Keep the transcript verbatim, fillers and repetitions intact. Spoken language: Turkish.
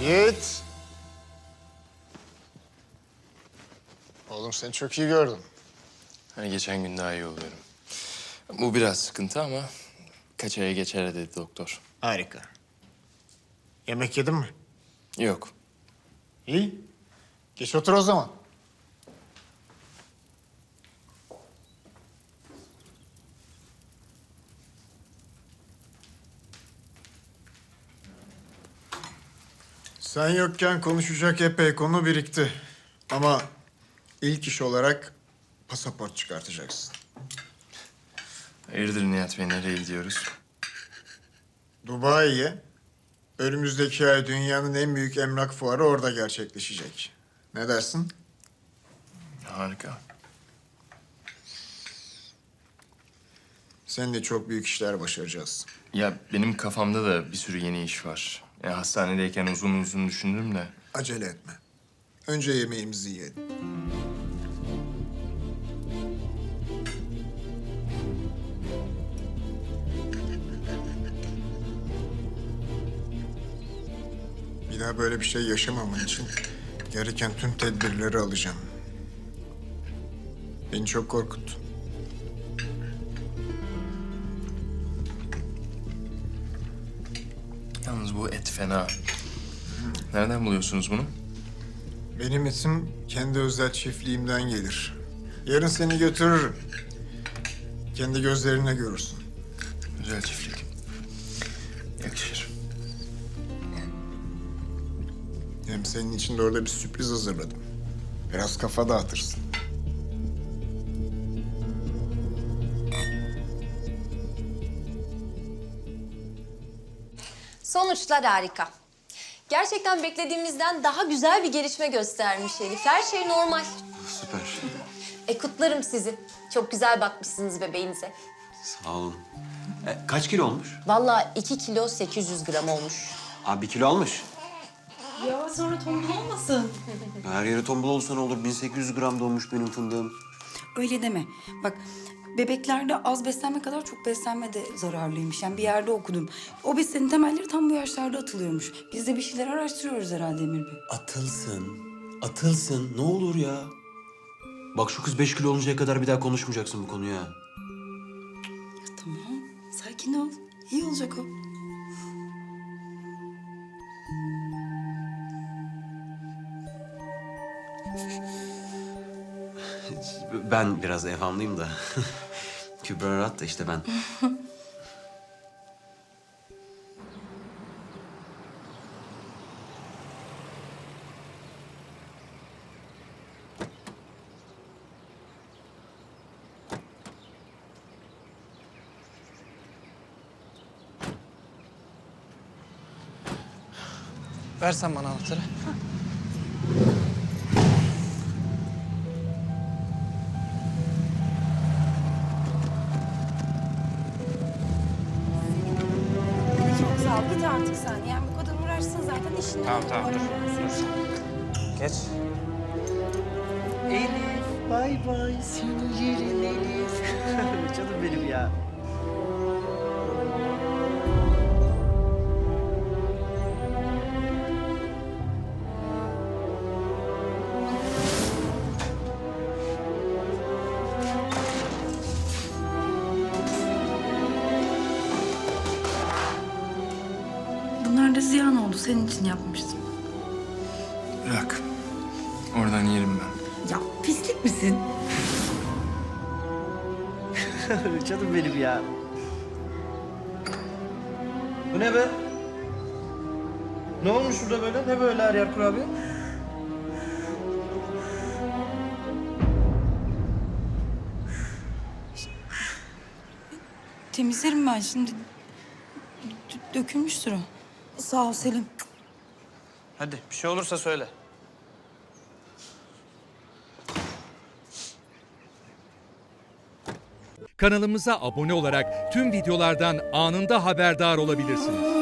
Yiğit. Oğlum seni çok iyi gördüm. Hani geçen gün daha iyi oluyorum. Bu biraz sıkıntı ama kaç aya geçer dedi doktor. Harika. Yemek yedin mi? Yok. İyi. Geç otur o zaman. Sen yokken konuşacak epey konu birikti. Ama ilk iş olarak pasaport çıkartacaksın. Hayırdır Nihat Bey, nereye gidiyoruz? Dubai'ye. Önümüzdeki ay dünyanın en büyük emlak fuarı orada gerçekleşecek. Ne dersin? Harika. Seninle çok büyük işler başaracağız. Ya benim kafamda da bir sürü yeni iş var. Ya hastanedeyken uzun uzun düşündüm de. Acele etme. Önce yemeğimizi yiyelim. Bir daha böyle bir şey yaşamaman için gereken tüm tedbirleri alacağım. Beni çok korkuttun. Yalnız bu et fena. Nereden buluyorsunuz bunu? Benim isim kendi özel çiftliğimden gelir. Yarın seni götürürüm. Kendi gözlerine görürsün. Güzel çiftlik. Yakışır. Hem senin için de orada bir sürpriz hazırladım. Biraz kafa dağıtırsın. Sonuçlar harika. Gerçekten beklediğimizden daha güzel bir gelişme göstermiş Elif. Her şey normal. Süper. E kutlarım sizi. Çok güzel bakmışsınız bebeğinize. Sağ olun. E, kaç kilo olmuş? Vallahi iki kilo sekiz yüz gram olmuş. Abi bir kilo almış. Ya sonra tombul olmasın. Her yere tombul olsa ne olur? bin sekiz yüz gram doğmuş benim fındığım. Öyle deme. Bak bebeklerde az beslenme kadar çok beslenme de zararlıymış. Yani bir yerde okudum. O beslenin temelleri tam bu yaşlarda atılıyormuş. Biz de bir şeyler araştırıyoruz herhalde Emir Bey. Atılsın. Atılsın. Ne olur ya. Bak şu kız beş kilo oluncaya kadar bir daha konuşmayacaksın bu konuyu ha. Ya tamam. Sakin ol. İyi olacak o. Ben biraz evhamlıyım da. Kübra rahat da işte ben. Versen bana anahtarı. Çok sağ ol. Git artık sen. Yani bu kadar uğraşsın zaten işini. Tamam tamam dur. Dur. Geç. Elif, bay bay. Seni yerim Elif. Canım benim ya. Bunlar da ziyan oldu. Senin için yapmıştım. Bırak. Oradan yerim ben. Ya pislik misin? Canım benim ya. Bu ne be? Ne olmuş burada böyle? Ne böyle her yer kurabiye? Temizlerim ben şimdi. D- dökülmüştür o. Sağ ol Selim. Hadi bir şey olursa söyle. Kanalımıza abone olarak tüm videolardan anında haberdar olabilirsiniz.